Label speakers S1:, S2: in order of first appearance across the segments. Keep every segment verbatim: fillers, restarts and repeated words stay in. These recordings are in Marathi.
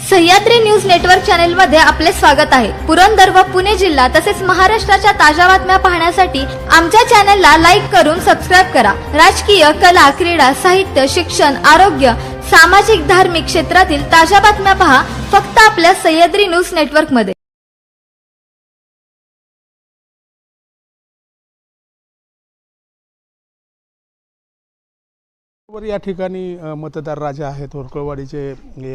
S1: सह्याद्री न्यूज नेटवर्क चॅनल मध्ये आपले स्वागत आहे। पुरंदर व पुणे जिल्हा तसेच महाराष्ट्राच्या ताज्या बातम्या पाहण्यासाठी आमच्या चॅनलला लाईक करून सबस्क्राइब करा। राजकीय, कला, क्रीडा, साहित्य, शिक्षण, आरोग्य, सामाजिक, धार्मिक क्षेत्रातील ताज्या बातम्या पहा फक्त आपल्या सह्याद्री न्यूज नेटवर्क मध्ये।
S2: या ठिकाणी मतदार राजा आहेत होरकळवाडीचे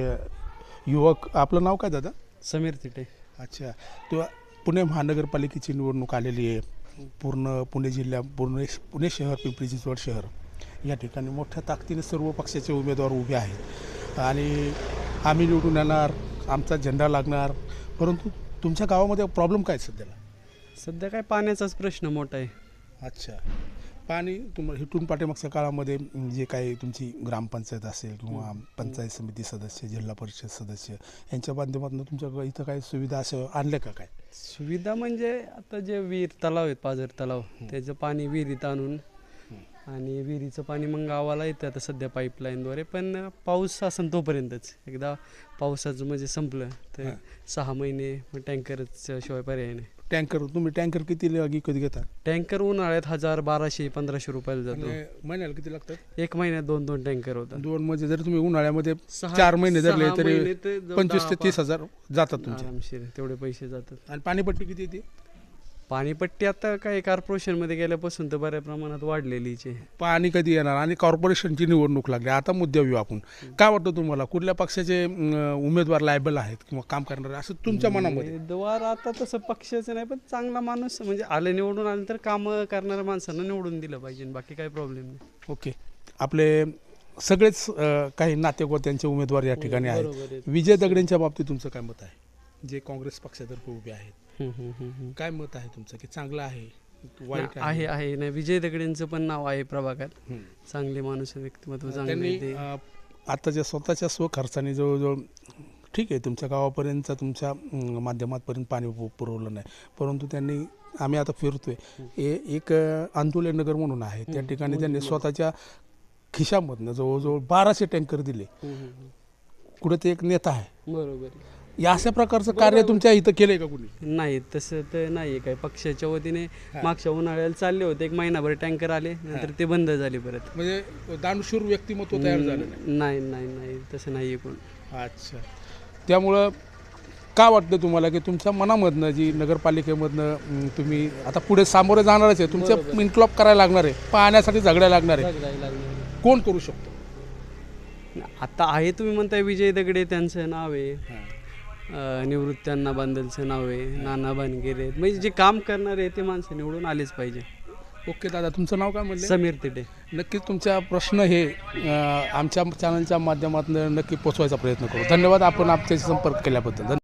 S2: युवक। आपलं नाव काय दादा?
S3: समीर तिटे।
S2: अच्छा, तो पुणे महानगरपालिकेची निवडणूक आलेली आहे। पूर्ण पुणे जिल्हा, पूर्ण पुणे शहर, पिंपरी चिंचवड शहर या ठिकाणी मोठ्या ताकदीने सर्व पक्षाचे उमेदवार उभे आहेत आणि आम्ही निवडून येणार, आमचा झेंडा लागणार। परंतु तुमच्या गावामध्ये प्रॉब्लेम काय सध्याला?
S3: सध्या काय पाण्याचाच प्रश्न मोठा आहे।
S2: अच्छा, पाणी तुम्हाला इथून पाठीमागच्या काळामध्ये जे काही तुमची ग्रामपंचायत असेल किंवा पंचायत समिती सदस्य, जिल्हा परिषद सदस्य यांच्या माध्यमातून तुमच्या इथं काही सुविधा असं आणल्या का? काय
S3: सुविधा म्हणजे आता जे विहीर तलाव आहेत, पाझर तलाव, त्याचं पाणी विहिरीत आणून आणि विहिरीचं पाणी मग गावाला येतं आता सध्या पाईपलाईनद्वारे। पण पाऊस असेल तोपर्यंतच, एकदा पावसाचं म्हणजे संपलं तर सहा महिने मग टँकरच शिवाय पर्याय नाही।
S2: टँकर तुम्ही टँकर किती कधी घेता?
S3: टँकर उन्हाळ्यात हजार बाराशे पंधराशे रुपयाला जातो।
S2: महिन्याला किती लागतात?
S3: एक महिन्यात दोन दोन टँकर होतात।
S2: दोन म्हणजे जर तुम्ही उन्हाळ्यामध्ये चार महिने धरले तरी पंचवीस ते तीस हजार जातात तुमचे
S3: आरामशीर, तेवढे पैसे जातात।
S2: आणि पाणीपट्टी किती येते?
S3: पाणीपट्टी आता काय कॉर्पोरेशनमध्ये गेल्यापासून तर बऱ्या प्रमाणात वाढलेलीच आहे।
S2: पाणी कधी येणार? आणि कॉर्पोरेशनची निवडणूक लागली, आता मुद्द्यावर येऊ आपण। काय वाटतं तुम्हाला, कुठल्या पक्षाचे उमेदवार लायबल आहेत किंवा काम करणारे असं तुमच्या मनामध्ये?
S3: उमेदवार आता तसं पक्षाचं नाही, पण चांगला माणूस म्हणजे आले निवडून आले तर कामं करणाऱ्या माणसांना निवडून दिलं पाहिजे, बाकी काही प्रॉब्लेम नाही।
S2: ओके, आपले सगळेच काही नातेगोत्यांचे उमेदवार या ठिकाणी आहेत। विजय दगडेंच्या बाबतीत तुमचं काय मत आहे, जे काँग्रेस पक्षातर्फे उभे आहेत? काय मत आहे तुमचं, की चांगलं आहे, वाईट
S3: आहे? आहे नाही, विजय दगडेंचं पण नाव आहे प्रभागात, चांगले माणूस, व्यक्तिमत्व चांगले।
S2: आताच्या स्वतःच्या स्वखर्चाने जवळजवळ ठीक आहे तुमच्या गावापर्यंत तुमच्या माध्यमातपर्यंत पाणी पुरवलं नाही, परंतु त्यांनी, आम्ही आता फिरतोय, एक आंदोलन नगर म्हणून आहे त्या ठिकाणी त्यांनी स्वतःच्या खिशामधनं जवळजवळ बाराशे टँकर दिले। कुठे ते एक नेता आहे,
S3: बरोबर।
S2: या अशा प्रकारचं कार्य तुमच्या इथं केलंय का कुणी?
S3: नाही, तसं तर नाही काय। पक्षाच्या वतीने मागच्या उन्हाळ्याला चालले होते, एक महिनाभर टँकर आले, नंतर ते बंद झाले परत।
S2: म्हणजे दानशूर व्यक्तिमत्व तयार झालं
S3: नाही? नाही नाही तसं नाही आहे कोण।
S2: अच्छा, त्यामुळं काय वाटतं तुम्हाला की तुमच्या मनामधनं जी नगरपालिकेमधनं तुम्ही आता पुढे सामोरे जाणारच आहे, तुमचं इन्क्लॉप करायला लागणार आहे, पाहण्यासाठी झगडायला लागणार आहे, कोण करू शकतो?
S3: आता आहे तुम्ही म्हणताय विजय दगडे, त्यांचं नाव आहे, निवृत्त्यांना बांदलचं नाव आहे, नाना बानगेरे, म्हणजे जे काम करणारे आहे ते माणसं निवडून आलेच पाहिजे।
S2: ओके दादा, तुमचं नाव काय म्हणलं?
S3: समीर तिटे।
S2: नक्कीच तुमचा प्रश्न हे आमच्या चॅनलच्या माध्यमातून नक्की पोचवायचा प्रयत्न करू। धन्यवाद आपण आमच्याशी संपर्क केल्याबद्दल।